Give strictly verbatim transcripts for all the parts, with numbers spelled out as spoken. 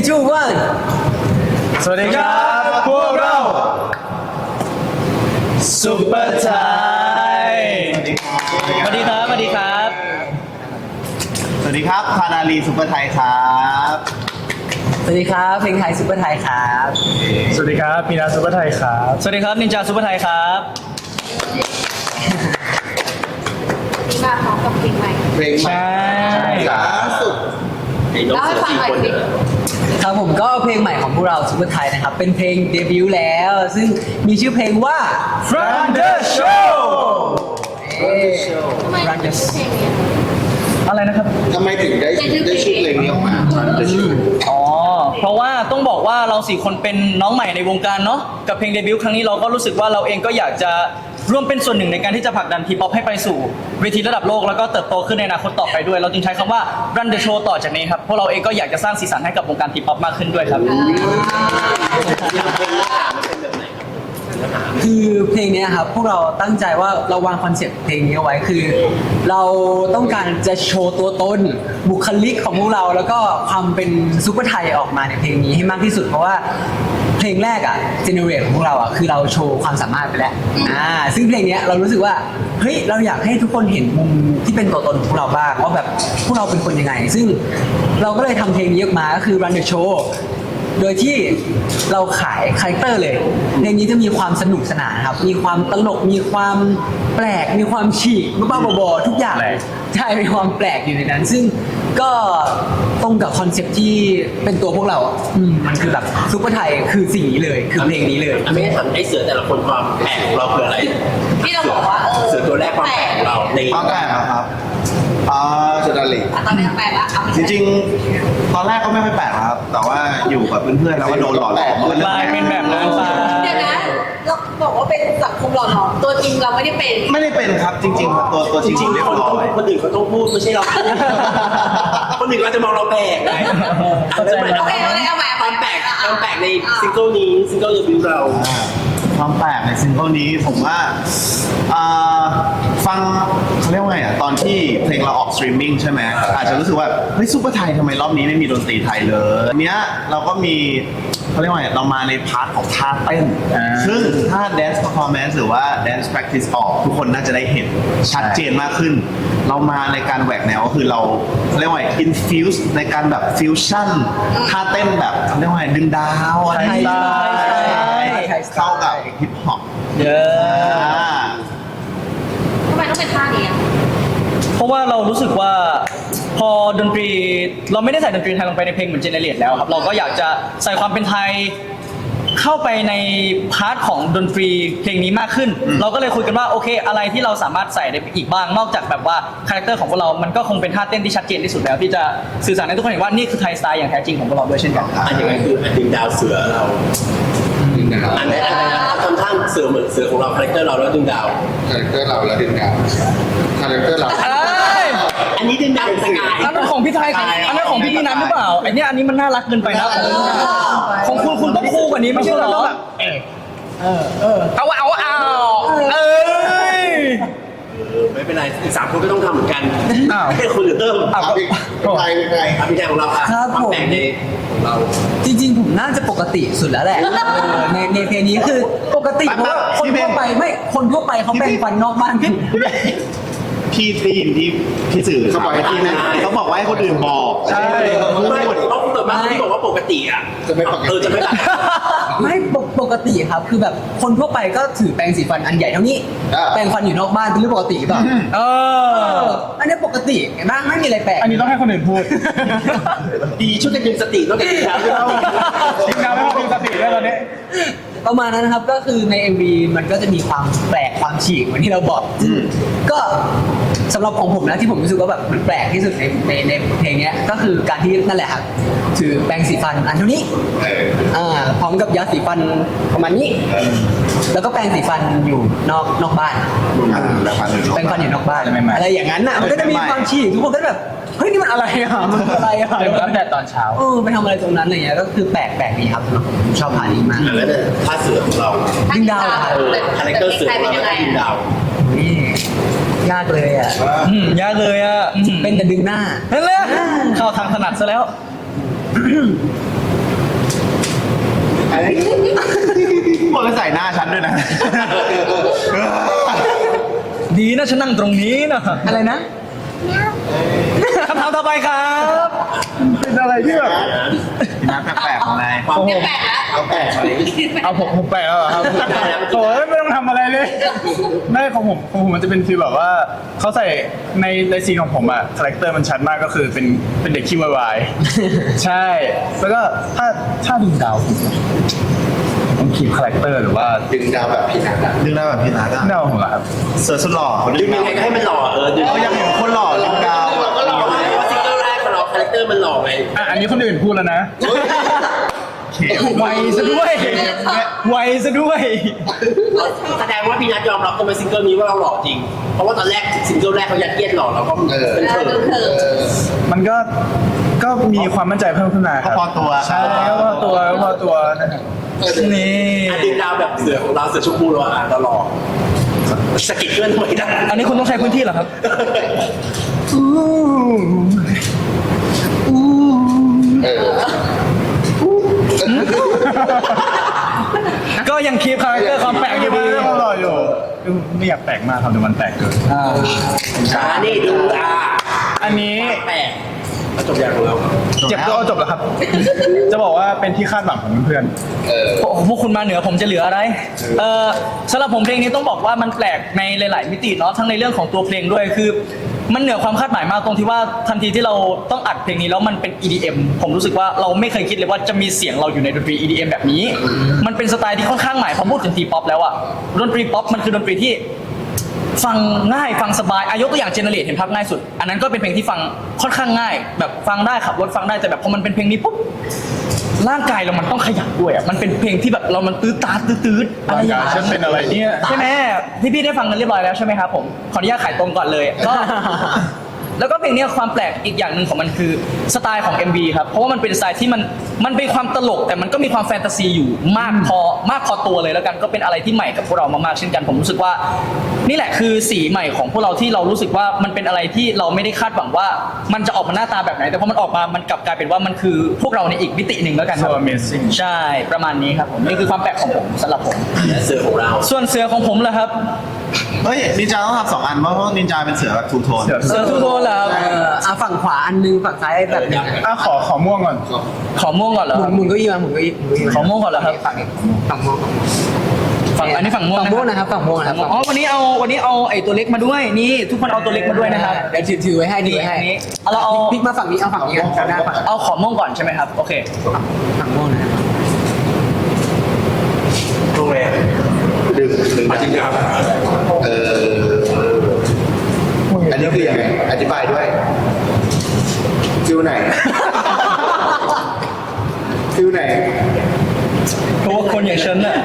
two one สวัสดีครับพวกเราซุปเปอร์ไทยสวัสดีครับสวัสดีครับสวัสดีครับคานาลีซุปเปอร์ไทยครับสวัสดีครับเพลงไทยซุปเปอร์ไทยครับสวัสดีครับพีนาซุปเปอร์ไทยครับสวัสดีครับนินจาซุปเปอร์ไทยครับนี่มาพร้อมกับเพลงใหม่เพลงใหม่ใช่ล่าสุดเล่าให้ฟังหน่อยสิครับผมก็เพลงใหม่ของพวกเราซุปเปอร์ไทยนะครับเป็นเพลงเดบิวต์แล้ว ซึ่งมีชื่อเพลงว่า From the Show ทำไมถึงเป็นเพลงนี้อะไรนะครับทำไมถึงได้ได้ชื่อเพลงนี้ออกมาได้ชื่ออ๋อ เพราะว่าต้องบอกว่าเราสี่คนเป็นน้องใหม่ในวงการเนาะ กับเพลงเดบิวต์ครั้งนี้เราก็รู้สึกว่าเราเองก็อยากจะร่วมเป็นส่วนหนึ่งในการที่จะผลักดันทีป๊อปให้ไปสู่เวทีระดับโลกแล้วก็เติบโตขึ้นในอนาคตต่อไปด้วย เราจึงใช้คำว่า Run the Show ต่อจากนี้ครับ พวกเราเองก็อยากจะสร้างสีสันให้กับวงการทีป๊อปมากขึ้นด้วยครับคือเพลงเนี้ยครับพวกเราตั้งใจว่าเราวางคอนเซ็ปต์เพลงนี้เอาไว้คือ เราต้องการจะโชว์ตัวตนบุคลิกของพวกเราแล้วก็ความเป็นซุปเปอร์ไทยออกมาในเพลงนี้ให้มากที่สุดเพราะว่าเพลงแรกอ่ะเจเนเรตของพวกเราอ่ะคือเราโชว์ความสามารถไปแล้วอ่าซึ่งเพลงเนี้ยเรารู้สึกว่าเฮ้ยเราอยากให้ทุกคนเห็นมุมที่เป็นตัวตนของพวกเราบ้างว่าแบบพวกเราเป็นคนยังไง ซึ่งเราก็เลยทำเพลงนี้ออกมาก็คือ Run the Showโดยที่เราขายคาแรคเตอร์เลยเพลงนี้จะมีความสนุกสนานครับมีความตลกมีความแปลกมีความฉีกบ้าๆบอๆทุกอย่างแปลกใช่มีความแปลกอยู่ในนั้น ซึ่งก็ตรงกับคอนเซ็ปต์ที่เป็นตัวพวกเราอ่ะอืมมันคือแบบซุปเปอร์ไทยคือสิ่งนี้เลยคือเพลงนี้เลยไม่ได้ถามไอ้เสือแต่ละคนความแปลกของเราคืออะไรที่เราบอกว่าเออเสือตัวแรกความแปลกของเราในความแปลกเหรอครับอ่าจุดาลีอ่ะตอนนี้แปลกละเอาจริงๆ ตอนแรกก็ไม่ค่อยแปลกนะครับ แต่ว่าอยู่กับเพื่อนๆเราก็โดนหล่อหลอมกลายเป็นแบบนั้นไปเดี๋ยวนะเราบอกว่าเป็นสังคมหล่อหลอมตัวจริงเราไม่ได้เป็นไม่ได้เป็นครับจริงๆตัวตัวจจริริงงๆเรียๆบคนร้ต้องอยคนอื่นเขาต้องพูดไม่ใช่เราพูดคนอื่นก็จะมองเราแปลกไงอันนั้นหมายถึงโอเคโอเคเอาใหม่ความแปลกความแปลกในซิงเกิลนี้ซิงเกิลเดบิวต์เราความแปลกในซิงเกิลนี้ผมว่าอ่าฟังเขาเรียกว่าไงอ่ะตอนที่เพลงเราออกสตรีมมิ่งใช่ไหมอาจจะรู้สึกว่าเฮ้ยซุปเปอร์ไทยทำไมรอบนี้ไม่มีดนตรีไทยเลยอันเนี้ยเราก็มีเขาเรียกว่าไงเรามาในพาร์ทของท่าเต้นอ่าซึ่งถ้า dance performance หรือว่า dance practice ออกทุกคนน่าจะได้เห็นชัดเจนมากขึ้น เรามาในการแหวกแนวก็คือเราเขาเรียกว่าไง infuse ในการแบบ fusion ท่าเต้นแบบเขาเรียกว่าไงดึงดาวอะไรไทยสไตล์ใช่เข้ากับฮิปฮอปเยอะทำไมต้องเป็นท่านี้อ่ะเพราะว่าเรารู้สึกว่าพอดนตรีเราไม่ได้ใส่ดนตรีไทยลงไปในเพลงเหมือนเจเนเรตแล้วครับเราก็อยากจะใส่ความเป็นไทยเข้าไปในพาร์ทของดนตรีเพลงนี้มากขึ้น เราก็เลยคุยกันว่าโอเคอะไรที่เราสามารถใส่ได้อีกบ้างนอกจากแบบว่าคาแรคเตอร์ของพวกเรา มันก็คงเป็นท่าเต้นที่ชัดเจนที่สุดแล้วที่จะสื่อสารให้ทุกคนเห็นว่านี่คือไทยสไตล์อย่างแท้จริงของพวกเราด้วยเช่นกันอันยังไงคืออันดึงดาวเสือเราอันไหนอันไหนทำท่าเสือเหมือนเสือของเราคาแรคเตอร์เราแล้วดึงดาวคาแรคเตอร์เราแล้วดึงดาวคาแรคเตอร์เราเอ้ยอันนี้ดึงดาวเป็นสกายอันนั้นของพี่ไทยอันนั้นของพี่พี่นัทหรือเปล่าไอเนี้ยอันนี้มันน่ารักเกินไปนะของคุณคุณต้องคู่กว่านี้ไม่ใช่เหรอเอาเอาเอาเอ้ยไม่เป็นไรอีกสามคนก็ต้องทำเหมือนกันอ้าวให้คนอื่นเติมอ้าวเอาพี่ใครเป็นใครครับพี่แทนของเราค่ะความแปลกในของเราจริงๆผมน่าจะปกติสุดแล้วแหละเออในในเพลงนี้คือปกติเพราะว่าคนทั่วไปไม่คนทั่วไปเขาแปรงฟันนอกบ้านพี่ได้ยินที่พี่สื่อเขาบอกให้พี่นะเขาบอกว่าให้คนอื่นบอกใช่ไม่ต้องเติมมากที่บอกว่าปกติอ่ะจะไม่ปกติเออจะไม่แบบไม่ปกปกติครับคือแบบคนทั่วไปก็ถือแปรงสีฟันอันใหญ่เท่านี้อ่าแปรงฟันอยู่นอกบ้านเป็นเรื่องปกติหรือเปล่าเอเออออันนี้ปกติเห็นไหมไม่มีอะไรแปลกอันนี้ต้องให้คนอื่นพูดดีช่วยกันดึงสติต้องกันดึงดาวด้วยทีมงานไม่ต้องมีสติด้วยตอนนี้ประมาณนั้นนะครับก็คือใน เอ็ม วี มันก็จะมีความแปลกความฉีกเหมือนที่เราบอกก็สำหรับของผมนะที่ผมรู้สึกว่าแบบมันแปลกที่สุดในในในเพลงเนี้ยก็คือการที่นั่นแหละครับถือแปรงสีฟันอันเท่านี้เอออ่าพร้อมกับยาสีฟันประมาณนี้ แล้วก็แปรงสีฟันอยู่นอกนอกบ้านแปรงฟันอยู่นอกบ้านแปรงฟันอยู่นอกบ้านใหม่ๆอะไรอย่างนั้นน่ะมันก็จะมีความฉีกทุกคนก็แบบเฮ้ยนี่มันอะไรอ่ะมันคืออะไรอ่ะเริ่มตั้งแต่ตอนเช้าเออไปทำอะไรตรงนั้นอะไรเงี้ยก็คือแปลกแปลกดีครับสำหรับผมผมชอบพาร์ทนี้มากแล้วเนี่ยท่าเสือของเราดึงดาวครับเออคาแรคเตอร์เสือของเราแล้วก็ดึงดาวนี่ยากเลยอ่ะอืมยากเลยอ่ะอืมเป็นแต่ดึงหน้านั่นแหละเข้าทางถนัดซะแล้วพวกแล้วใส่หน้าฉันด้วยนะดีนะฉันนั่งตรงนี้นะอะไรนะคำถามต่อไปครับเป็นอะไรที่แบบพี่นัทแปลกๆของนายความแปลกแล้วเอาแปลกอะไรเอาผมผมแปลกแล้วเหรอครับโอ้ยไม่ต้องทำอะไรเลยไม่ของผมของผมมันจะเป็นฟีลแบบว่าเขาใส่ในในซีนของผมอะคาแรคเตอร์มันชัดมากก็คือเป็นเป็นเด็กขี้วายๆใช่แล้วก็ถ้าถ้าดึงดาวผมคีบคาแรคเตอร์หรือว่าดึงดาวแบบพี่นัทอะดึงได้แบบพี่นัทอะดาวผมเหรอครับเสือสุดหล่อเขาดึดึงงยัดาง วไงก็ให้มันหล่อเออดึงเขาอยากเห็นคนหล่อดึงดาวอะก็หล่อเพราะว่าซิงเกิลแรกของเราคาแรคเตอร์มันหล่อไงอ่ะอันนี้คนอื่นพูดแล้วนะไวซะด้วย ไวซะด้วยแสดงว่าพี่นัทยอมรับกันในซิงเกิลนี้ว่าเราหล่อจริง เพราะว่าตอนแรกซิงเกิลแรกเขายัดเยียดหล่อเราก็เออเป็นเขินเออมันก็ก็มีความมั่นใจเพิ่มขึ้นมาคก็รับพอตัวใช่ก็พอตัวก็พอตัวนะครับนี่อ่ะดึงดาวแบบเสือของเราเสือชมพูเราอ่ะเราหล่อสะกิดเพื่อนทำไมได้อันนี้คุณต้องใช้พื้นที่เหรอครับเออก็ยังคีบคาแรคเตอร์ความแปลกอยู่ดียังรออยู่ไม่อยากแปลกมากครับเดี๋ยวมันแปลกเกินอ่าอ่านี่ดูอ่ะอันนี้แปลกแล้วจบอย่างของเราเจ็บตัวเอาจบแล้วครับ จะบอกว่าเป็นที่คาดหวังของเพื่อนเออโอ้โหพวกคุณมาเหนือผมจะเหลืออะไร เออสำหรับผมเพลงนี้ต้องบอกว่ามันแปลกในหลาย ๆ มิติเนาะทั้งในเรื่องของตัวเพลงด้วยคือ มันเหนือความคาดหมายมากตรงที่ว่าทันทีที่เราต้องอัดเพลงนี้แล้วมันเป็น อี ดี เอ็ม ผมรู้สึกว่าเราไม่เคยคิดเลยว่าจะมีเสียงเราอยู่ในดนตรี อี ดี เอ็ม แบบนี้ มันเป็นสไตล์ที่ค่อนข้างใหม่พอพูดถึงทีป๊อปแล้วอะดนตรีป๊อปมันคือดนตรีที่ฟังง่ายฟังสบายอายกตัวอย่างเจเนเรตเห็นภาพง่ายสุด อันนั้นก็เป็นเพลงที่ฟังค่อนข้างง่าย แบบฟังได้ขับรถฟังได้แต่แบบพอมันเป็นเพลงนี้ปุ๊บร่างกายเรามันต้องขยับด้วยอะมันเป็นเพลงที่แบบเรามันตื้อตาตื้อตื้อๆอะไรร่างอย่างกายเงี้ยฉันเป็นอะไรเนี่ยใช่ไหมพี่พี่ๆได้ฟังกันเรียบร้อยแล้วใช่ไหมครับผมขออนุญาตขายตรงก่อนเลยก็ แล้วก็เพลงเนี้ยความแปลกอีกอย่างหนึ่งของมันคือสไตล์ของ เอ็ม วี ครับเพราะว่ามันเป็นสไตล์ที่มันมันเป็นความตลกแต่มันก็มีความแฟนตาซีอยู่มากพอมากพอตัวเลยแล้วกันก็เป็นอะไรที่ใหม่กับพวกเรามากๆเช่นกันผมรู้สึกว่า นี่แหละคือสีใหม่ของพวกเราที่เรารู้สึกว่ามันเป็นอะไรที่เราไม่ได้คาดหวังว่า มันจะออกมาหน้าตาแบบไหน แต่พอมันออกมามันกลับกลายเป็นว่ามันคือพวกเราในอีกมิติหนึ่งแล้วกันครับ So amazing ใช่ประมาณนี้ครับผมนี่คือความแปลกของผมสำหรับผมและเสือของเราส่วนเสือของผมล่ะครับเฮ้ยนินจาต้องทำสองอันเพราะว่านินจาเป็นเสือแบบทูโทนเสือเสือทุกคนล่ะครับเอออ่ะฝั่งขวาอันนึงฝั่งซ้ายแบบหนึงอ่ะขอขอม่วงก่อนขอม่วงก่อนเหรอหคมุรันบหมุนเก็ยี่มาหมุนเก็ยี่หมุนเก้าอี้มาขอม่วงก่อนเหรอครับฝั่งนี้ฝั่งม่วงฝั่งม่วงฝั่งอันนี้ฝั่งม่วงฝั่งม่วงนะครับฝั่งม่วงนะครับอ๋อวันนี้เอาวันนี้เอาไอ้ตัวเล็กมาด้วยนี่ทุกคนเอาตัวเล็กมาด้วยนะครับเดี๋ยวถือถือไว้ให้ถือไว้ให้อันนี้เอาเราเอาพลิกมาฝั่งนี้เอาฝั่งนี้กันหน้าฝั่งเอาขอม่วงก่อนใช่ไหมครับโอเคฝั่งม่วงนะครับโรงแรมดึงดึงจริงครับเอออันนี้คือยังไงอธิบายด้วยฟิวไหนฟิวไหนเพราะว่าคนอย่างฉันน่ะ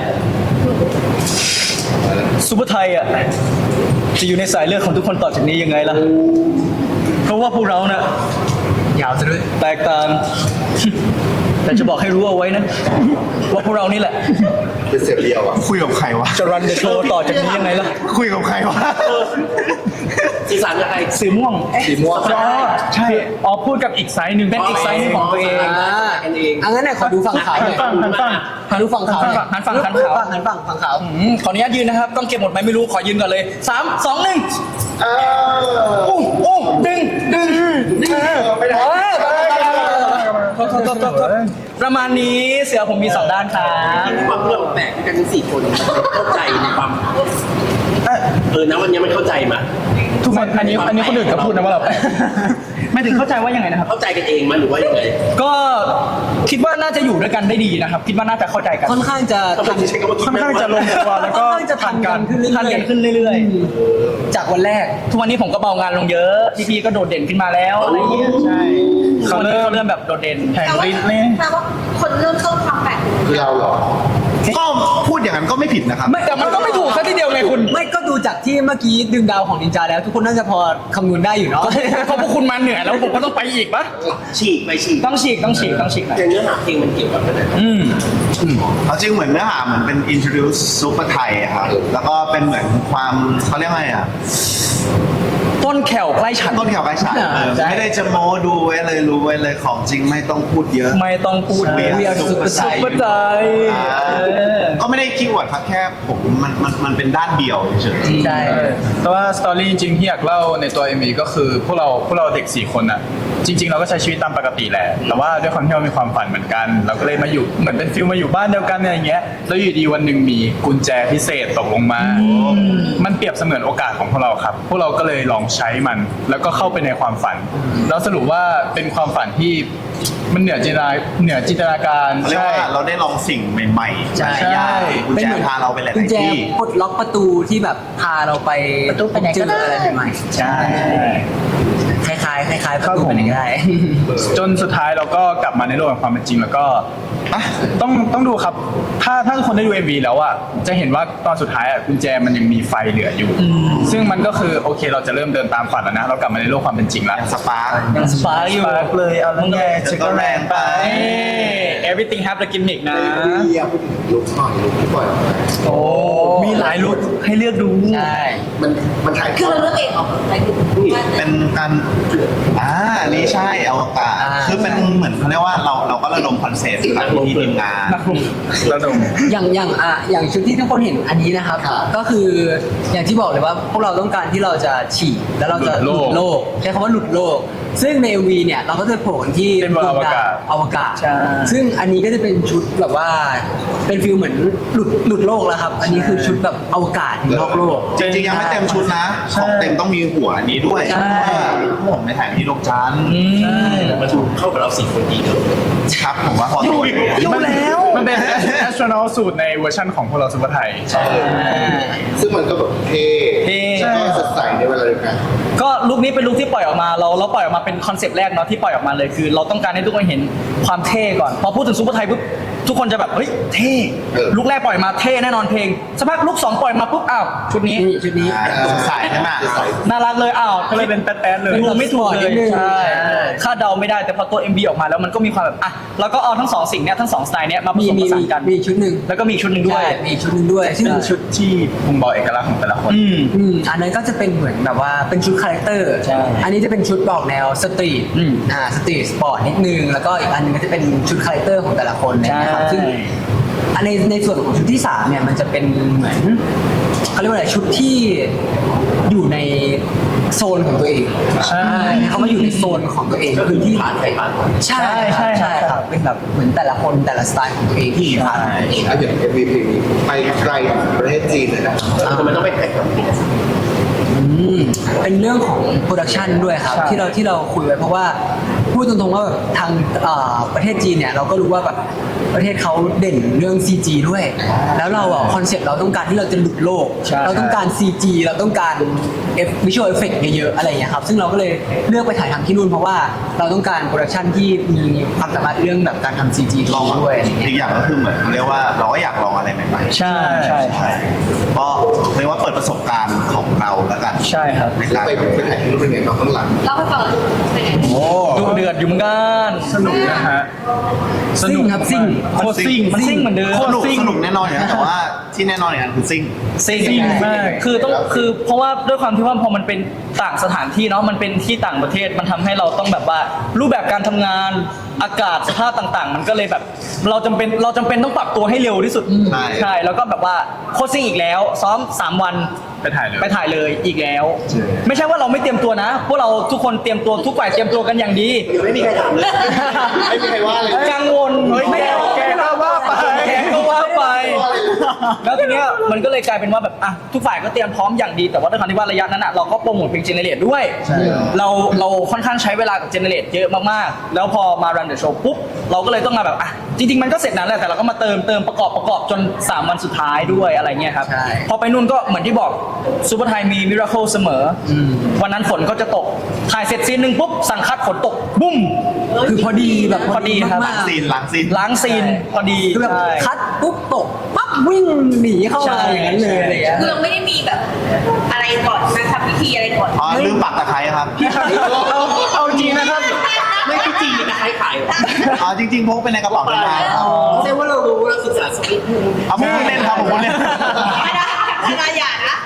ซูเปอร์ไทยอ่ะจะอยู่ในสายเลือดของทุกคนต่อจากนี้ยังไงล่ะเพราะว่าพวกเราน่ะยาวซะด้วยแตกต่าง แต่จะบอกให้รู้เอาไว้นะว่าพวกเรานี่แหละเป็นเสียเรียวอ่ะคุยกับใครวะจะรันเดอะโชว์ต่อจากนี้ยังไงล่ะคุยกับใครวะสีสันยังไงสีม่วงสีม่วงอ๋อใช่อ๋อพูดกับอีกไซส์หนึ่งเป็นอีกไซส์หนึ่งของตัวเองอ่ากันเองอังั้นเนี่ยขอดูฝั่งขาวหน่อยฟังฟังฟังขอดูฝั่งขาวหน่อยหันฝั่งหันฝั่งขาวหันฝั่งฝั่งขาวอืมขออนุญาตยืนนะครับ ต้องเก็บหมดไหมไม่รู้ ขอยืนก่อนเลยสามสองหนึ่งเอออู้อู้ดึงดึงดึงไม่ได้เออโทษโทษโทษโทษโทษประมาณนี้เสือผมมีสองด้านครับความเรื่องแปลกที่กันทั้งสี่คนเข้าใจในความเออนะวันนี้มันเข้าใจมาทุกคนอันนี้อันนี้คนอื่นก็พูดนะว่าเราไม่ถึงเข้าใจว่ายังไงนะครับเข้าใจกันเองมั้ยหรือว่ายังไงก็คิดว่าน่าจะอยู่ด้วยกันได้ดีนะครับ คิดว่าน่าจะเข้าใจกันค่อนข้างจะทำไมถึงใช้คำว่าคิดค่อนข้างจะลงตัวแล้วค่ก็อนข้างจะทันกันขึ้นเรื่อยๆทันกันขึ้นเรื่อยจากวันแรกๆ ทุกวันนี้ผมก็เบางานลงเยอะพี่พีก็โดดเด่นขึ้นมาแล้วอะไรอย่างเงี้ยใช่เขาเริ่มเริ่มแบบโดดเด่นแห่งแต่ว่าฤทธิ์นี่แต่ว่าคนเริ่มต้นความแปลกคือเราเหรอก็พูดอย่างนั้นก็ไม่ผิดนะครับไม่แต่มันก็ไม่ถูกซะทีเดียวไงคุณไม่ก็ดูจากที่เมื่อกี้ดึงดาวของนินจาแล้ว ทุกคนน่าจะพอคำนวณได้อยู่เนาะเพราะพวกคุณมาเหนื่อยแล้วผมก็ต้องไปอีกปะฉีกไปฉีกต้องฉีกต้องฉีกต้องฉีกหน่อยอย่างเนื้อหาเพลงมันเกี่ยวกับอะไรอืมเอาจริงเหมือนเนื้อหาเหมือนเป็น introduce ซุปเปอร์ไทยอะครับ แล้วก็เป็นเหมือนความเขาเรียกว่าไงอะต้นแขวใกล้ฉันต้นแขวใกล้ฉันเออใช่ไม่ได้จะโม้ดูไว้เลยรู้ไว้เลยของจริงไม่ต้องพูดเยอะไม่ต้องพูดใช่เวียสุดสุดปัจจัยอ่าก็ไม่ได้คีย์เวิร์ดครับแค่ผมมันมันมันเป็นด้านเดียวเฉยๆใช่แต่ว่าสตอรี่จริงๆที่อยากเล่าในตัว เอ็ม วี ก็คือพวกเราพวกเราเด็กสี่คนอ่ะจริง ๆ เราก็ใช้ชีวิตตามปกติแหละแต่ว่าด้วยความที่เรามีความฝันเหมือนกัน เราก็เลยมาอยู่เหมือนเป็นฟิลมาอยู่บ้านเดียวกันอะไรอย่างเงี้ยแล้วอยู่ดีวันหนึ่งมีกุญแจพิเศษตกลงมา มันเปรียบเสมือนโอกาสของพวกเราครับ พวกเราก็เลยลองใช้มัน แล้วก็เข้าไปในความฝันแล้วสรุปว่าเป็นความฝันที่มันเหนือจินตนาเหนือจินตนาการเรียกใช่ว่าเราได้ลองสิ่งใหม่ๆหใช่ลายอย่างกุญเป็นแจเหมือนพาเราไปหลากุญยแจๆที่ปลดล็อกประตูที่แบบพาเราไปประตูไปไหนเจก็อได้อะไรใหม่ๆใช่คล้ายๆคล้ายๆประตูไปไหนก็ได้จนสุดท้ายเราก็กลับมาในโลกแห่งความเป็นจริงแล้วก็อ่ะต้องต้องดูครับ ถ้าถ้าทุกคนได้ดู เอ็ม วี แล้วอ่ะจะเห็นว่าตอนสุดท้ายอ่ะกุญแจมันยังมีไฟเหลืออยู่ ซึ่งมันก็คือโอเคเราจะเริ่มเดินตามฝันแล้วนะ เรากลับมาในโลกความเป็นจริงแล้วสปาร์คยังสปาร์กอยู่สปาร์คเลยเอาแล้วไงเจะก็แรงไปเอ้ everything have the gimmick นะเรียกพูดถึงลุกหน่อยลุกที่ปล่อยออกมาโอ้ มีหลายลุคให้เลือกดูใช่มันมันถ่ายทคืออดเราเลือกเองออกแบบไหนคือเป็นการอ่าอันนี้ใช่อวกาศอ่าคือเป็นเหมือนเขาเรียกว่าเราเราก็ระดมคอนเซ็ปต์จากที่ทีมงานนักลุกระดมอย่างอย่างอ่ะอย่างชุดที่ทุกคนเห็นอันนี้นะครับ ก็คืออย่างที่บอกเลยว่าพวกเราต้องการที่เราจะฉีกแล้วเราจะหลุดโลกโลกใช้คำว่าหลุดโลก ซึ่งใน เอ็ม วี เนี่ยเราก็จะโผล่ที่เป็นบนอวกาศอวกาศใช่ซึ่งอันนี้ก็จะเป็นชุดแบบว่าเป็นฟิลเหมือนหลุดหลุดโลกแล้วครับ อันนี้คือชุดแบบอวกาศนอกโลกจริงๆยังไม่เต็มชุดนะ ของเต็มต้องมีหัวอันนี้ด้วยใช่เพราะว่าผมไปถ่ายที่โลกจันทร์มันถูกเข้ากับเราสี่คนดีเนอะครับผมว่าพอตัวอยู่แล้วมันเป็นแอสโทรนอลสูตรในเวอร์ชันของพวกเราซุปเปอร์ไทยซึ่งมันก็แบบเท่เท่แล้วก็สดใสในเวลาเดียวกันก็ลุคนี้เป็นลุคที่ปล่อยออกมาเราเราปล่อยออกมาเป็นคอนเซปต์แรกเนาะที่ปล่อยออกมาเลยคือ เราต้องการให้ทุกคนเห็นความเท่ก่อน พอพูดถึงซูเปอร์ไทยปุ๊บทุกคนจะแบบเฮ้ยเท่เออลุคแรกปล่อยมาเท่แน่นอนเพลงสักพักลุคสองปล่อยมาปุ๊บอ้าวชุดนี้นี่ชุดนี้อ่าสดใสใช่ไหมน่ารักเลยอ้าวก็เลยเป็นแป๊ดๆเลยดูไม่ถูกเลยนิดนึงใช่ใช่คาดเดาไม่ได้แต่พอตัว เอ็ม วี ออกมาแล้วมันก็มีความแบบอ่ะแล้วก็เอาทั้งสองสิ่งเนี้ยทั้งสองสไตล์เนี้ยมาผมีสมผมีสามีนกันมีอีกชุดหนึ่งแล้วก็มีอีกชุดหนึ่งด้วยใช่มีอีกชุดหนึ่งด้วยซึ่งเป็นชุดที่บ่งบอกเอกลักษณ์ของแต่ละคนอืมอืมอันนั้นก็จะเป็นเหมือนแบบว่าเป็นชุดคาแรคเตอร์ใช่อันนี้จะเป็นชุดบอกแนวสตรีทอืมอ่าสตรีทสปอร์ตนิดนึง แล้วก็อีกอันนึงก็จะเป็นชุดคาแรคเตอร์ของแต่ละคนเลยนะครับใช่ซึ่งอันในในส่วนของชุดที่สามเนี่ยมันจะเป็นเหมือนเขาเรียกว่าอะไรชุดที่อยู่ในโซนของตัวเองใช่เขามาอยู่ในโซนของตัวเองพื้นที่ผ่านไปผ่านใช่ใช่ใช่ครับเป็นแบบเหมือนแต่ละคนแต่ละสไตล์ของตัวเองที่ผ่านมาอ่ะอย่างเอ็มวีเพลงนี้ไปไกลถึงประเทศจีนเลยนะทำไมต้องไปแข่งกับพี่อืมเป็นเรื่องของโปรดักชันด้วยครับใช่ที่เราที่เราคุยไว้เพราะว่าพูดตรงๆว่าแบบทางเอ่อประเทศจีนเนี่ยเราก็รู้ว่าแบบประเทศเขาเด่นเรื่อง ซี จี ด้วย แล้วเราอ่ะคอนเซ็ปต์เราต้องการที่เราจะหลุดโลกใช่เราต้องการ ซี จี เราต้องการเอฟวิชวลเอฟเฟกต์เยอะๆอะไรอย่างเงี้ยครับซึ่งเราก็เลยเลือกไปถ่ายทำที่นู่นเพราะว่าเราต้องการโปรดักชันที่มีความสามารถเรื่องแบบการทำ ซี จีลองด้วยอะไรอย่างเงี้ยอีกอย่างก็คือเหมือนเขาเรียกว่าเราก็อยากลองอะไรใหม่ๆใช่ใช่ใช่ก็เรียกว่าเปิดประสบการณ์ของเราแล้วกันใช่ครับในการไปไปถ่ายที่นู่นเป็นไงบ้างข้างหลังเล่าให้ฟังหน่อยเป็นไงโอ้ดูเดือดอยู่เหมือนกันสนุกนะฮะซิ่งครับซิ่งโคตรซิ่งมันซิ่งเหมือนเดิมสนุกสนุกแน่นอนอยู่แล้วแต่ว่าที่แน่นอนอย่างนั้นคือซิ่งซิ่งซิ่งมากคือต้องคือเพราะว่าด้วยความที่ว่าพอมันเป็นต่างสถานที่เนาะมันเป็นที่ต่างประเทศมันทำให้เราต้องแบบว่ารูปแบบการทำงานอากาศสภาพต่างๆ มันก็เลยแบบ เราจำเป็นเราจำเป็นต้องปรับตัวให้เร็วที่สุดใช่ใช่แล้วก็แบบว่าโคชซิ่งอีกแล้ว ซ้อมสามวันไปถ่ายเลยไปถ่ายเลยอีกแล้ว ไม่ใช่ว่าเราไม่เตรียมตัวนะ พวกเราทุกคนเตรียมตัวทุกฝ่ายเตรียมตัวกันอย่างดียังไม่มีใครถามเลยไม่มีใครว่าเลยกังวลเฮ้ยแกแกก็ว่าไปแกก็ว่าไป แล้วทีเนี้ยมันก็เลยกลายเป็นว่าแบบอ่ะทุกฝ่ายก็เตรียมพร้อมอย่างดีแต่ว่าด้วยความที่ว่าระยะนั้นอ่ะเราก็โปรโมทเพลงเจเนเรตด้วย เราเราค่อนข้างใช้เวลากับเจเนเรตเยอะมากๆ แล้วพอมารันเดอะโชว์ปุ๊บเราก็เลยต้องมาแบบอ่ะจริงๆมันก็เสร็จนานแล้วแต่เราก็มาเติมเติมประกอบประกอบจนสามวันสุดท้ายด้วยอะไรเงี้ยครับใช่พอไปนู่นก็เหมือนที่บอกซูเปอร์ไทยมีมิราเคิลเสมออวันนั้นฝนก็จะตกถ่ายเสร็จซีนหนึ่งปุ๊บสั่งคัดฝนตกบุ้มคือพอดีแบบพอดีครับมากๆซีนหลังซีนล้างซีนพอดีคือแบบใช่คัดปุ๊บตกปั๊บวิ่งหนีเข้ามาอย่างนั้นเลยอะไรอย่างเงี้ยคือเราไม่ได้มีแบบอะไรก่อนมาทำพิธีอะไรก่อนอ๋อลืมปักตะไคร้ครับเอาเอาจริงนะครับไม่พี่จีนะใครขายอ๋อจริงๆพกไปในกระเป๋าเดินทางครับแสดงว่าเรารู้เราศึกษาสกิปต์เอาผมพูดเล่นครับผมพูดเล่นไม่ได้ไม่ได้อย่านะ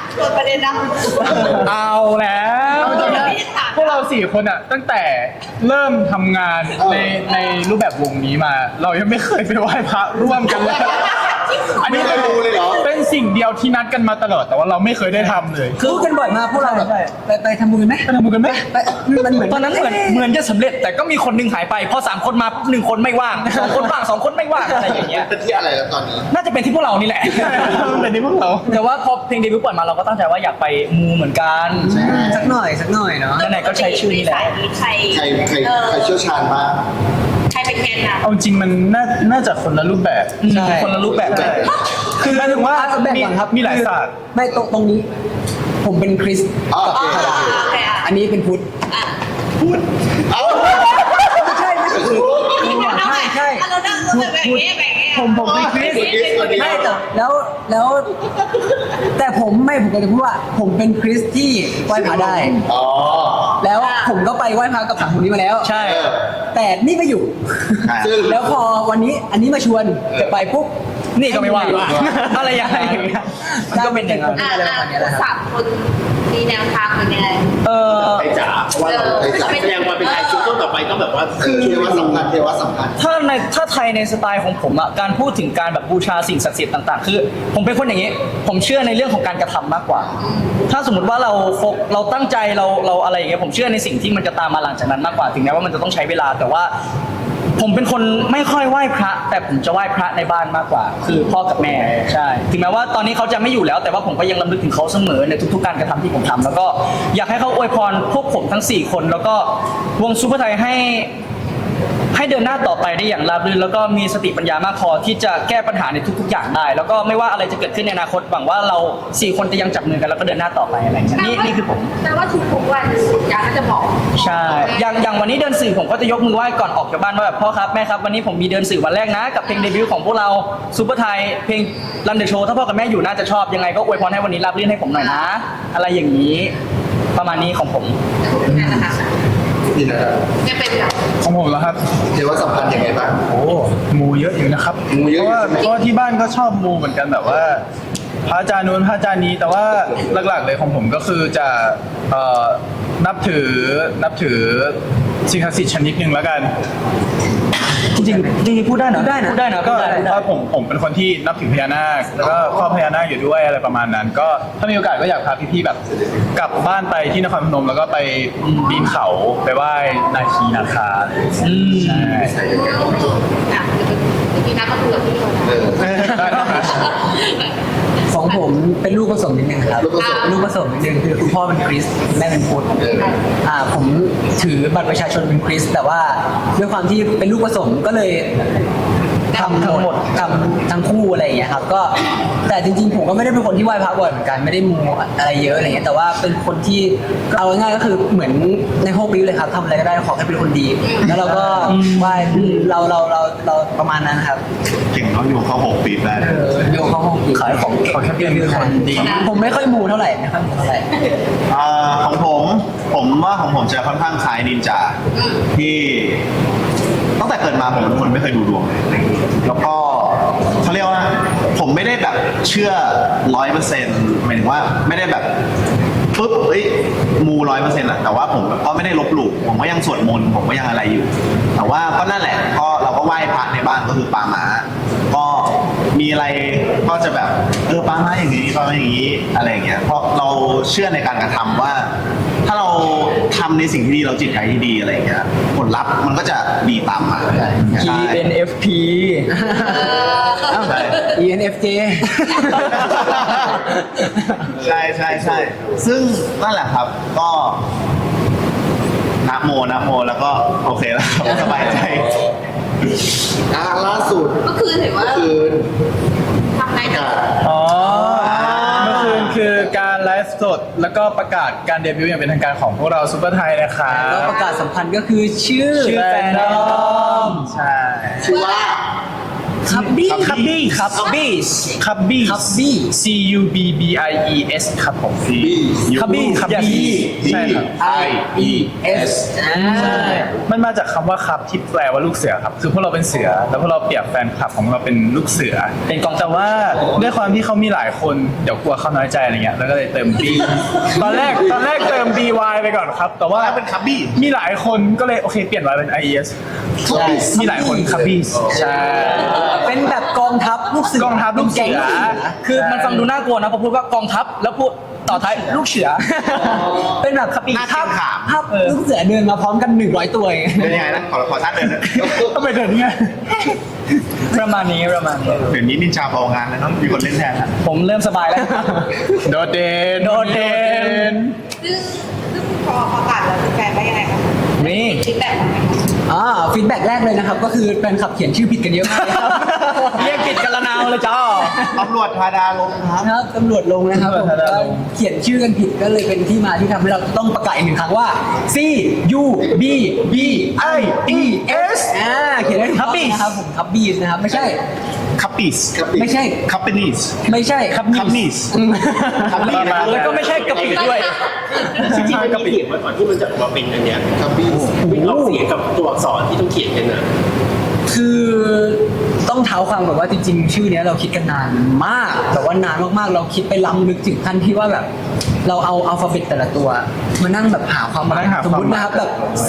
เปิดประเด็นนะเอาแล้วเอาจริงนะพวกเราสี่คนอ่ะตั้งแต่เริ่มทำงานในในรูปแบบวงนี้มา เรายังไม่เคยไปไหว้พระร่วมกันเลยอันนี้ไม่เคยดูเลยเหรอเป็นสิ่งเดียวที่นัดกันมาตลอดแต่ว่าเราไม่เคยได้ทำเลยพูดกันบ่อยมากพวกเราแบบใช่ไปไปทำบุญกันไหมไปทำบุญกันไหมไปมันเหมือนตอนนั้นเหมือนเหมือนจะสำเร็จแต่ก็มีคนหนึงหายไปพอสามคนมาปุ๊บหนึ่งคนไม่ว่างสองคนว่างสองคนไม่ว่างอะไรอย่างเงี้ยเป็นที่อะไรแล้วตอนนี้น่าจะเป็นที่พวกเรานี่แหละแต่นี่พวกเราแต่ว่าพอเพลงเดบิวต์ปล่อยมาเราก็ตั้งใจว่าอยากไปมูเหมือนกันสักหน่อยสักหน่อยเนาะไหนๆก็ใช้ชื่อนี้แหละใครใครใครเออใครเชี่ยวชาญมากใครเป็นแทนนะเอาจริงมันน่าน่าจะคนละรูปแบบใช่คนละรูปแบบกันคือหมายถึงว่าอ่ะแบ่งก่อนครับมีหลายศาสตร์ไม่ตรงตรงนี้ ผมเป็นคริสต์อ๋อกับโอเคธรรมดาโอเคอ่ะอันนี้เป็นพุทธอ่ะเอ้าไม่ใช่ไม่ใช่เอาใหม่ใช่เอาเรานั่งเราแบบนี้แบบนี้ผมผมเป็นคริสต์เป็นคริสต์คนเดียวไม่แต่แล้วแล้ว แต่ผมไม่ผมก็จะพูดว่า ผมเป็นคริสต์ที่ไหว้พระได้อ๋อแล้วผมก็ไปไหว้พระกับสามคนนี้มาแล้วใช่เออแต่นี่ไม่อยู่ซึ่งแล้วพอวันนี้อันนี้มาชวนจะไปปุ๊บนี่ก็ไม่ว่างอะไรอย่างเงี้ยมันก็เป็นอย่างนั้นอ่ะอ่ะสามคนมีแนวทางเป็นยังไงเออไอ้จ๋าเพราะว่าเราไอ้จ๋าแสดงความเป็นไทยซิงเกิลต่อไปต้องแบบว่าคือเทวะสัมพันธ์เทวะสัมพันธ์ถ้าในถ้าไทยในสไตล์ของผมอ่ะการพูดถึงการแบบบูชาสิ่งศักดิ์สิทธิ์ต่างๆ คือ ผมเป็นคนอย่างนี้ ผมเชื่อในเรื่องของการกระทำมากกว่า ถ้าสมมติว่าเราโฟกเราตั้งใจเราเราอะไรอย่างเงี้ยผมเชื่อในสิ่งที่มันจะตามมาหลังจากนั้นมากกว่าถึงแม้ว่ามันจะต้องใช้เวลาแต่ว่า ผมเป็นคนไม่ค่อยไหว้พระ แต่ผมจะไหว้พระในบ้านมากกว่า คือพ่อกับแม่ใช่ถึงแม้ว่าตอนนี้เขาจะไม่อยู่แล้ว แต่ว่าผมก็ยังรำลึกถึงเขาเสมอในทุกๆการกระทำที่ผมทำแล้วก็อยากให้เขาอวยพรพวกผมทั้งสี่คน แล้วก็วงซูเปอร์ไทยให้ ให้เดินหน้าต่อไปได้อย่างราบรื่นแล้วก็มีสติปัญญามากพอที่จะแก้ปัญหาในทุกๆอย่างได้ แล้วก็ไม่ว่าอะไรจะเกิดขึ้นในอนาคตหวังว่าเราสี่คนจะยังจับมือกันแล้วก็เดินหน้าต่อไปอะไรอย่างเงี้ยนี่นี่คือผมแต่ว่าทุกๆวันอยากจะบอกใช่อย่างอย่างวันนี้เดินสื่อผมก็จะยกมือไหว้ก่อนออกจากบ้านว่าแบบพ่อครับแม่ครับวันนี้ผมมีเดินสื่อวันแรกนะกับเพลงเดบิวต์ของพวกเราซูเปอร์ไทยเพลงรันเดอะโชว์ถ้าพ่อกับแม่อยู่น่าจะชอบยังไงก็อวยพรให้วันนี้ราบรื่นให้ผมหน่อยนะ อะไรอย่างนี้ ประมาณนี้ของผมนั่นแหละค่ะนี่นะครับจะเป็นแบบของผมแล้วครับเทวะสัมพันธ์ยังไงบ้างโอ้มูเยอะอยู่นะครับมูเยอะเพอยู่ราะว่าใช่ไหมเพราะว่าที่บ้านก็ชอบมูเหมือนกันแบบว่า พระอาจารย์นู้นพระอาจารย์นี้แต่ว่าหลักๆเลยของผมก็คือจะเอ่อนับถือนับถือสิ่งศักดิ์สิทธิ์ชนิดหนึ่งแล้วกันจริงๆจริงๆพูดได้นะพูดได้นะพูดได้นะก็พูดได้พูดได้ว่าผมผมเป็นคนที่นับถือพญานาคแล้วก็ครอบพญานาคอยู่ด้วยอะไรประมาณนั้น ก็ถ้ามีโอกาสก็อยากพาพี่ๆแบบ กลับบ้านไปที่นครพนมแล้วก็ไปปีนเขาไปไหว้นาคีนาคาอืมใช่อ่ะเมื่อกี้น้ำมาคุยกับพี่คนเออได้ครับของผมเป็นลูกผสมนิดนึงครับลูกผสมลูกผสมนิดนึงคือคุณพ่อเป็นคริสต์แม่เป็นพุทธเอออ่าผมถือบัตรประชาชนเป็นคริสต์แต่ว่าด้วยความที่เป็นลูกผสมก็เลยทำทั้งหมดทำทั้งคู่อะไรอย่างเงี้ยครับก็แต่จริงๆผมก็ไม่ได้เป็นคนที่ไหว้พระบ่อยเหมือนกันไม่ได้มูอะไรเยอะอะไรเงี้ยแต่ว่าเป็นคนที่เอาง่ายๆก็คือเหมือนในโฮปีเลยครับทำอะไรก็ได้ขอแค่เป็นคนดี แล้วเราก็ไหว้เราเราเราเราประมาณนั้นครับเก่งเขาอยู่เขาหกปีแล้วเออโยงเข้าห้องปีขายของขอแค่เป็นคนดีผมไม่ค่อยมูเท่าไหร่ไม่ค่อยมูเท่าไหร่อ่าของผมผมว่าของผมจะค่อนข้างคล้ายนินจาที่ตั้งแต่เกิดมาผมเป็นคนไม่เคยดูดวงเลยแล้วก็เขาเรียกว่าผมไม่ได้แบบเชื่อร้อยเปอร์เซ็นต์หมายถึงว่าไม่ได้แบบปุ๊บเอ้ยมูร้อยเปอร์เซ็นต์อะแต่ว่าผมก็ไม่ได้ลบหลู่ผมก็ยังสวดมนต์ผมก็ยังอะไรอยู่ แต่ว่าก็นั่นแหละก็เราก็ไหว้พระในบ้านก็คือปางหมาก็มีอะไรก็จะแบบเออปางหมาอย่างนี้ปางหมาอย่างนี้อะไรอย่างเงี้ยเพราะเราเชื่อในการกระทำว่า ถ้าเราทำในสิ่งที่ดีเราจิตใจที่ดีอะไรอย่างเงี้ยผลลัพธ์มันก็จะดีตามมา P N F P ใช่ E N F J ใช่ใช่ใช่ซึ่งนั่นแหละครับก็นะโมนะโมแล้วก็โอเคแล้วครับสบายใจอ่าล่าสุดเมื่อคืนเห็นว่าคืนทำไงประนะกาศอ๋อเมื่อคืนคือการไลฟ์สดแล้วก็ประกาศการเดบิวต์อย่างเป็นทางการของพวกเราซูเปอร์ไทยนะคะแล้วประกาศสัมพันธ์ก็คือชื่อชื่อแฟนดอมใช่ชื่อว่าคับบี้คับบี้คับบี้คับบี้คับบี้ C U B B I E S ครับผม คับบี้คับบี้ใช่ครับ I E S อ่ามันมาจากคำว่าครับที่แปลว่าลูกเสือครับ คือพวกเราเป็นเสือ แล้วพวกเราเปรียบแฟนคลับของเราเป็นลูกเสือเป็นกองแต่ว่าด้วยความที่เขามีหลายคนเดี๋ยวกลัวเขาน้อยใจอะไรเงี้ยแล้วก็เลยเติม B ตอนแรกตอนแรกเติม B Y ไปก่อนครับ แต่ว่าแล้วเป็นคับบี้มีหลายคนก็เลยโอเคเปลี่ยน Y เป็น I E S มีหลายคนคับบี้ใช่เป็นแบบกองทัพลูกเสือกองทัพลูกเสือป็นแงคือมันฟังดูน่ากลัวนะพอพูดว่ากองทัพแล้วพูดต่อท้ายลูกเสือเป็นแบบหน้าเกรงขามภาพลูกเสือเดินมาพร้อมกันหนึ่งร้อยตัวเองเป็นยังไงนะขอขอท่าเดินนะต้องไปเดินไงประมาณนี้ประมาณนี้เดี๋ยวนี้นินจาพองานแล้วเนอะมีคนเล่นแทนแล้วผมเริ่มสบายแล้วโดดเด่นโดดเด่นซึ่งซึ่งพอประกาศแล้วแฟนๆว่ายังไงคะนี่ฟีดแบ็กของมันอ่าฟีดแบ็กแรกเลยนะครับ ก็คือแฟนคลับเขียนชื่อผิดกันเยอะมากเลยครับเรียกผิดกันละนาวเลยจ้าตำรวจทาดาลงครับนะครับตำรวจลงนะครับผมก็เขียนชื่อกันผิดก็เลยเป็นที่มาที่ทำให้เราต้องประกาศอีกหนึ่งครั้งว่า C U B B I E S อ่าเขียนได้ถูกต้องนะครับผมคับบี้นะครับไม่ใช่คัปปี้สไม่ใช่คัปปี้นีสไม่ใช่ครับคัปนีสคับบี้แล้วก็ไม่ใช่กะปิด้วยจริงๆมันมีเขียนไว้ก่อนที่มันจะออกมาเป็นอันเนี้ยครับพี่วิ่งออกเสียงกับตัวอักษรที่ต้องเขียนกันนะคือต้องเท้าความแบบว่าจริงๆ ชื่อเนี้ยเราคิดกันนานมากแต่ว่านานมากๆ เราคิดไปล้ำลึกถึงขั้นที่ว่าแบบ เราเอาอัลฟาเบตแต่ละตัว มานั่งแบบหาความหมายมานั่งหาสมมติความหมายนะครับแบบ C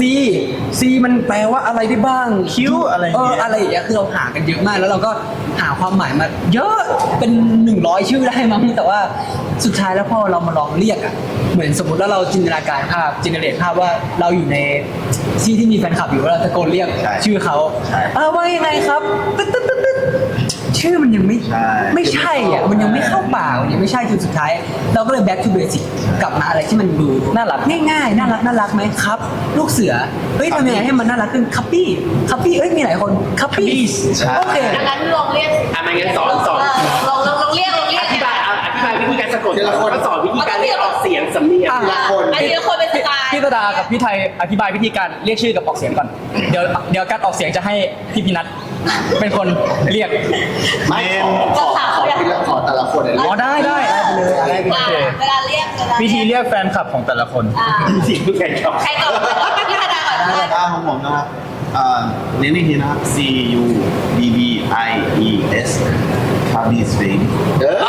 C มันแปลว่าอะไรได้บ้าง Q อะไรอย่างเอเงี้อย อะไรอย่างเงี้ยคือเราหากันเยอะมาก แล้วเราก็หาความหมายมา เยอะเป็นหนึ่งร้อยชื่อได้มั้งแต่ว่าสุดท้ายแล้วพอเรามาลองเรียกอะเหมือนสมมติว่าเราจินตนาการภาพจินเนเรตภาพว่าเราอยู่ในที่ที่มีแฟนคลับอยู่แล้วเราตะโกนเรียกใช่ชื่อเขาใช่เออว่ายังไงครับตึ๊ดตึ๊ดตึ๊ดตึ๊ดชื่อมันยังไม่ใช่ไม่ใช่อ่ะมันยังไม่เข้าปากมันยังไม่ใช่จนสุดท้าย เราก็เลย back to basic กลับมาอะไรที่มันดูน่ารักง่ายๆน่ารักน่ารักไหมครับ ลูกเสือเฮ้ยทำยังไงให้มันน่ารักขึ้นคัพปี้คัพปี้เอ้ยมีหลายคนคัพปี้ใช่โอเคอันนั้นลองเรียกอ่ะไม่งั้นสอนสอนเลองลองลองเรียกลองเรียอก ธิบายเอาอธิบายวิธีการสะกดแล้วก็สอนวิธีการเรียกออกเสียงสำเนียงอ่ะอ่ะอันนี้คนเป็นสไตล์พี่ตดากับพี่ไทยอธิบายวิธีการเรียกชื่อกับออกเสียงก่อน เดี๋ยวเดี๋ยวการออกเสียงจะให้พี่พินัทเป็นคนเรียกไม่ขอขอขอทีละขอแต่ละคนเลยอ๋อได้ได้ได้ไปเลยอะไรไปอ่ะเลยเวลาเรียกเวลาวิธีเรียกแฟนคลับของแต่ละคนอ่าสิ่งที่ใครชอบใครก่อนพี่ธดาก่อนนะอ่าของผมนะครับอ่าเน้นอีกทีนะครับ C U B B I E S คับบี้สฟิงเออ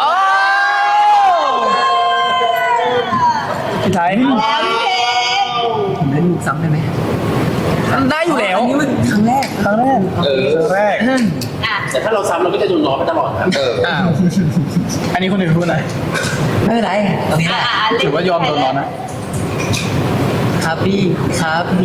พี่ไทยแล้วพี่เพชรผมเล่นมุกซ้ำได้ไหมได้อยู่แล้วอันนี้มันครั้งแรกครั้งแรกเออครั้งแรกอ่ะแต่ถ้าเราซ้ำเราก็จะโดนล้อไปตลอดครับเอออ้าว อันนี้คนอื่นพูดหน่อยไม่เป็นไรตรงนี้แหอ่ะละอ่ะถือว่ายอมโดนร้อนนะครับพี่ครับหมี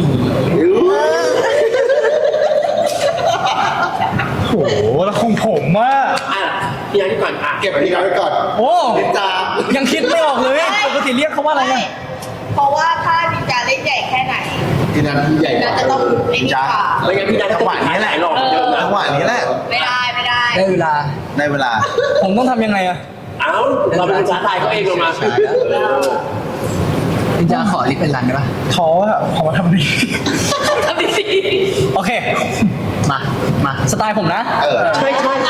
โอ้โห แล้วของผมว่าอ่ะพี่ยังก่อนอ่ะเก็บพี่น้อยไว้ก่อนโอ้นินจายังคิดไม่ออกเลยปกติเรียกเขาว่าอะไรเนี่ยเพราะว่าถ้านินจาเล่นใหญ่แค่ไหนที่นั้นที่ใหญ่กน่าว่าจะต้องไอ้นี่ค่ะไม่งั้นพี่นัทจังหวะนี้แหละหลอกเหมือนเดิมนะจังหวะนี้แหละไม่ได้ไม่ได้ได้เวลาได้เวลาผมต้องทำยังไงอะเอ้าเราเป็นภาษาไทยเขาเองลงมานินจาขอลิปเป็นรันได้ปะท้ออะพอมาทำดีทำดีโอเคมา มาสไตล์ผมนะเออใช่ใช่ใช่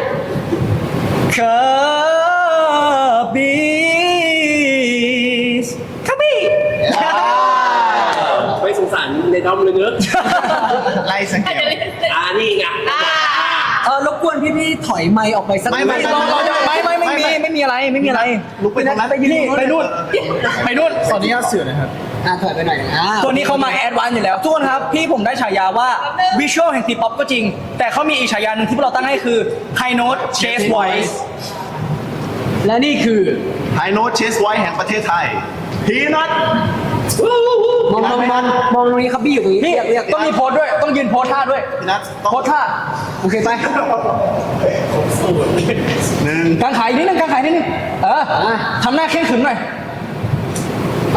คับบี้คับบี้ไม่สงสารในด้อมเลยเนอะไล่สเกลอ่านี่ไงอ่าเออรบกวนพี่ๆถอยไมค์ออกไปสักไม่ไม่รอรอไม่ไม่ไม่มีไม่มีอะไรไม่มีอะไรลุกไปตรงนั้นไปยืนไปนู่นไปนู่นขออนุญาตเสือหนะครับอ่ะถอยไปหน่อยอ่าตัวนี้เขามาแอดวานซ์อยู่แล้วทุกคนครับ พี่ผมได้ฉายาว่าวิชวลแห่งทีป๊อปก็จริง แต่เขามีอีกฉายาหนึงที่พวกเราตั้งให้คือ High Note Chase Voice และนี่คือไฮโน้ตเชสไว้แห่งประเทศไทย พีนัทมองมองมองมองตรงนี้ครับพี่อยู่ตรงนี้นี่เรียกเรียกต้องมีโพสด้วยต้องยืนโพสท่าด้วยพีนัทต้องโพสท่าโอเคไปหนึ่งกางขายนิดนึงกางขายนิดนึงเออทำหน้าเข่งขรึมหน่อยไป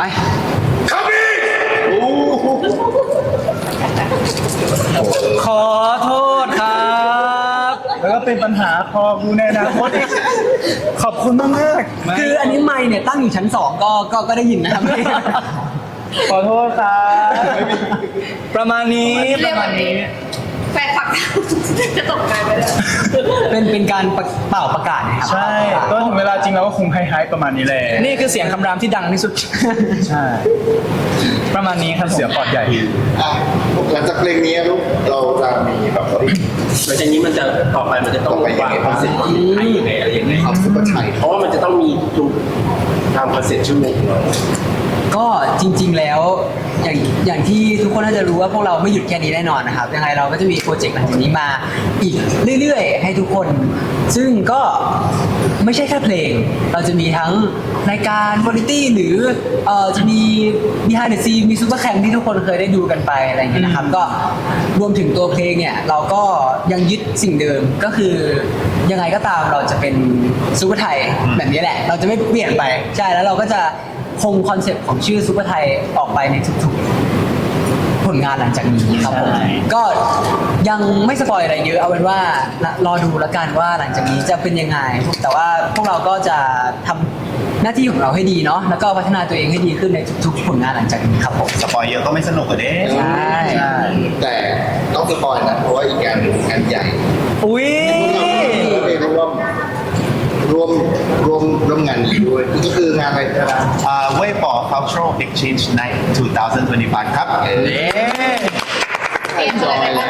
ขอโทษครับแล้วก็เป็นปัญหาพอกูในอนาคตอีก ขอบคุณมากมากๆคืออันนี้ไมค์เนี่ยตั้งอยู่ชั้นสองก็ก็ก็ได้ยินนะครับขอโทษครับประมาณนี้ปเรียระกมาแบณบนี้นี้แฟนคลับจะตกใจไปเลยเป็นเป็นการปะเป่าประกาศนะครับใช่ก็ถึงเวลาจริงเราก็คงไฮๆประมาณนี้แหละนี่คือเสียงคำรามที่ดังที่สุดใช่ประมาณนี้ครับผมเสียงปอดใหญ่อ่ะหลังจากเพลงนี้ลูกเราจะมีแบบว่าหลังจากนี้มันจะต่อไปมันจะต้องวางคอนเซ็ปต์ให้ยังไงอะไรยังไงเอาซุปเปอร์ไทยเพราะว่ามันจะต้องมีจุดตามคอนเซ็ปต์ชั่วโมงของเราก็จริงๆแล้วอย่างอย่างที่ทุกคนน่าจะรู้ว่าพวกเราไม่หยุดแค่นี้แน่นอนนะครับยังไงเราก็จะมีโปรเจกต์หลังจากนี้มาอีกเรื่อยๆ ให้ทุกคน ซึ่งก็ไม่ใช่แค่เพลง เราจะมีทั้งรายการวาไรตี้หรือเอ่อจะมี behind the scene มีซูเปอร์แคมที่ทุกคนเคยได้ดูกันไปอะไรอย่างเงี้ยนะครับก็รวมถึงตัวเพลงเนี่ยเราก็ยังยึดสิ่งเดิมก็คือยังไงก็ตามเราจะเป็นซูเปอร์ไทยแบบนี้แหละ เราจะไม่เปลี่ยนไปใช่แล้วเราก็จะคงคอนเซ็ปต์ของชื่อซูเปอร์ไทยออกไปในทุกๆผลงานหลังจากนี้ครับผมใช่ก็ยังไม่สปอยอะไรเยอะเอาเป็นว่ารอดูแล้วกันว่าหลังจากนี้จะเป็นยังไง แต่ว่าพวกเราก็จะทำหน้าที่ของเราให้ดีเนาะแล้วก็พัฒนาตัวเองให้ดีขึ้นในทุกๆผลงานหลังจากนี้ครับผมสปอยเยอะก็ไม่สนุกอะเด้ใช่แต่ต้องสปอยนะเพราะว่าอีกงานหนึ่งงานใหญ่อุ้ยเราไปร่วมร่วมร่วมร่วมงานนี้ด้วยก็คืองานอะไรนะครับอ่าเว่ยป๋อ cultural exchange night สองพันยี่สิบห้าครับเอ๊ะจอยแล้ว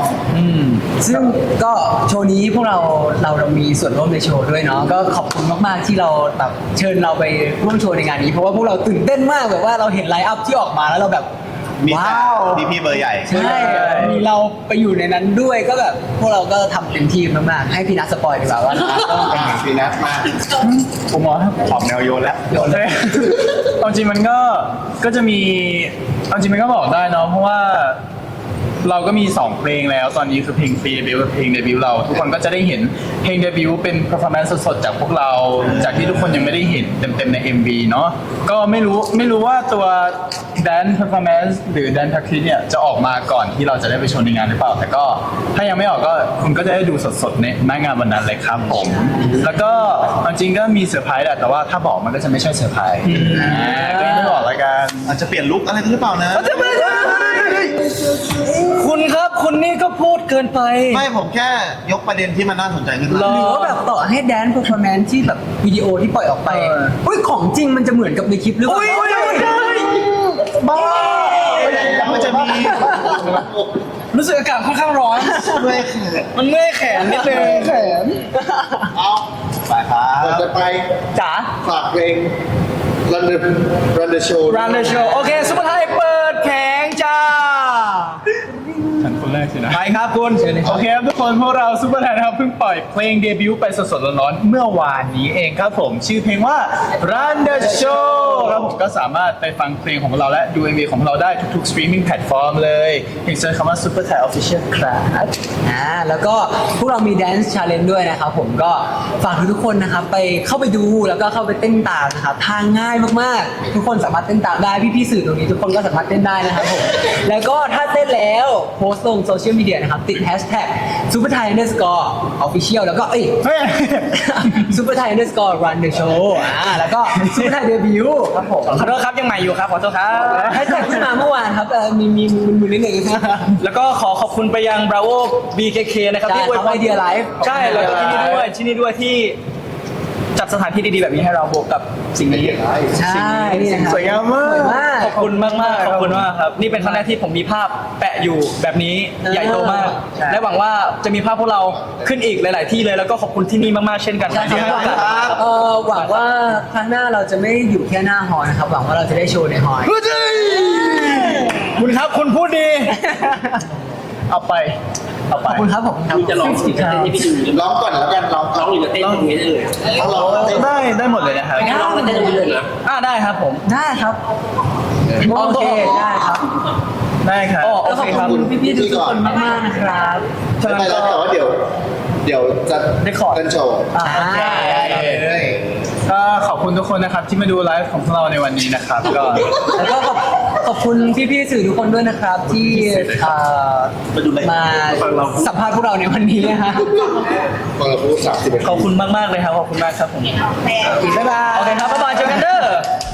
ซึ่งก็โชว์นี้พวกเราเราเรามีส่วนร่วมในโชว์ด้วยเนาะก็ขอบคุณมากๆที่เราแบบเชิญเราไปร่วมโชว์ในงานนี้ เพราะว่าพวกเราตื่นเต้นมากแบบว่าเราเห็นไลฟ์อัพที่ออกมาแล้วเราแบบมีแต่ว้าวพี่พี่ๆเบอร์ใหญ่ใช่มีเราไปอยู่ในนั้นด้วยก็แบบพวกเราก็ทำเต็มที่มากๆให้พี่นัทสปอยดีกว่าว่าเราก็อ่าฟีนัสมากผมมองออกแนวโยนแล้วโยนเลยเอาจริงมันก็ก็จะมีเอาจริงมันก็บอกได้เนาะเพราะว่าเราก็มีสองเพลงแล้วตอนนี้คือเพลงฟรีเดบิวต์กับเพลงเดบิวต์เรา ทุกคนก็จะได้เห็นเพลงเดบิวต์เป็น performance สดๆจากพวกเรา จากที่ทุกคนยังไม่ได้เห็นเต็มๆใน เอ็ม วี เนาะก็ไม่รู้ไม่รู้ว่าตัว dance performance หรือ dance practice เนี่ยจะออกมาก่อนที่เราจะได้ไปโชว์ในงานหรือเปล่า แต่ก็ถ้ายังไม่ออกก็คุณก็จะได้ดูสดๆในหน้างานวันนั้นเลยครับผมแล้วก็เอาจริงก็มีเซอร์ไพรส์แหละแต่ว่าถ้าบอกมันก็จะไม่ใช่เซอร์ไพรส์อ่าก็ยังไม่บอกแล้วกันอาจจะเปลี่ยนลุคอะไรหรือเปล่านะคุณครับคุณนี่ก็พูดเกินไปไม่ผมแค่ยกประเด็นที่มันน่าสนใจขึ้นมาหรหรือว่าแบบต่อให้แดน performance ที่แบบวิดีโอที่ปล่อยออกไปเอออุ้ยของจริงมันจะเหมือนกับในคลิปหรือเปล่าบ้ามันจะมีรู้สึกอากาศค่อนข้างร้อนด้วยเขินมันเมื่อยแขนนิดนึงเอาไปครับก่อนจะไปจ๋าฝากเพลง Run the Run the Show Run the show โอเคซุปเปอร์ไทยเปิดแผงจ้าฉันคนแรกสินะไปครับคุณโอเคครับทุกคนพวกเราซูเปอร์ไทยนะครับเพิ่งปล่อยเพลงเดบิวต์ไปสดๆร้อนๆเมื่อวานนี้เองครับผม ชื่อเพลงว่า Run the Show แล้วผมก็สามารถไปฟังเพลงของเราและดู เอ็ม วี ของเราได้ทุกๆ streaming platform เลยเพียงเซิร์ชคำว่า Super Thai Official ครับอ่าแล้วก็พวกเรามี dance challenge ด้วยนะครับผมก็ฝากทุกๆคนนะครับไปเข้าไปดูแล้วก็เข้าไปเต้นตามนะครับทางง่ายมากๆ ทุกคนสามารถเต้นตามได้พี่ๆสื่อตรงนี้ทุกคนก็สามารถเต้นได้นะครับผมแล้วก็ถ้าเต้นแล้วโพสต์ลงโซเชียลมีเดียนะครับติด hashtag super thai underscore official แล้วก็เอ้ย super thai underscore run the show อ่าแล้วก็ super thai debut ครับผมขอโทษครับยังใหม่อยู่ครับขอโทษครับแฮชแท็กขึ้นมาเมื่อวานครับเอ่อมีมีมือนิดหนึ่งแล้วก็ขอขอบคุณไปยัง Bravo บี เค เค นะครับใช่ที่อวยพทำรไอเดียไลฟ์ใช่แล้วก็ที่นี่ด้วยที่นี่ด้วยที่จัดสถานที่ดีๆแบบนี้ให้เราบวกกับสิ่งนี้ใช่นี่นะครับสวยงามมากสวยมากขอบคุณมากมากๆขอบคุณมากครับ นี่เป็นครั้งแรกที่ผมมีภาพแปะอยู่แบบนี้เออใหญ่โตมากใช่และหวังว่าจะมีภาพพวกเราขึ้นอีกหลาย ๆ ที่เลยแล้วก็ขอบคุณที่นี่มากๆเช่นกันใช่ที่คให้รับโอกาสเออหวังว่าครั้งหน้าเราจะไม่อยู่แค่หน้าหอนะครับ หวังว่าเราจะได้โชว์ในหอคุณครับคุณพูดดีเอาไปเอาไปขอบคุณครับขอบคุณครับคุณจะลองสิจะเต้นให้พี่ดูหรือร้องก่อนแล้วกันร้องร้องหรือจะเต้นตรงนี้ได้เลยต้องร้องเต้นได้ได้หมดเลยนะครับไม่ร้องก็เต้นตรงนี้เลยนะอ่าได้ครับผมได้ครับโอเคได้ครับได้ครับอ๋อแล้วขอบคุณพี่ๆทุกคนมากๆนะครับไม่เป็นไรแต่ว่าเดี๋ยว เดี๋ยวจะได้ขอเป็นโชว์อ่าก็ขอบคุณทุกคนนะครับที่มาดูไลฟ์ของพวกเราในวันนี้นะครับก็แล้วก็ขอบขอบคุณพี่ๆสื่อทุกคนด้วยนะครับ ที่เอ่อมาดูอะไรมาฟังเราสัมภาษณ์พวกเราในวันนี้นะฮะฟังเราพูดสามสิบนาทีขอบคุณมากๆเลยครับขอบคุณมากครับผมบ๊ายบายโอเคครับบ๊ายบายเจอกันเด้อ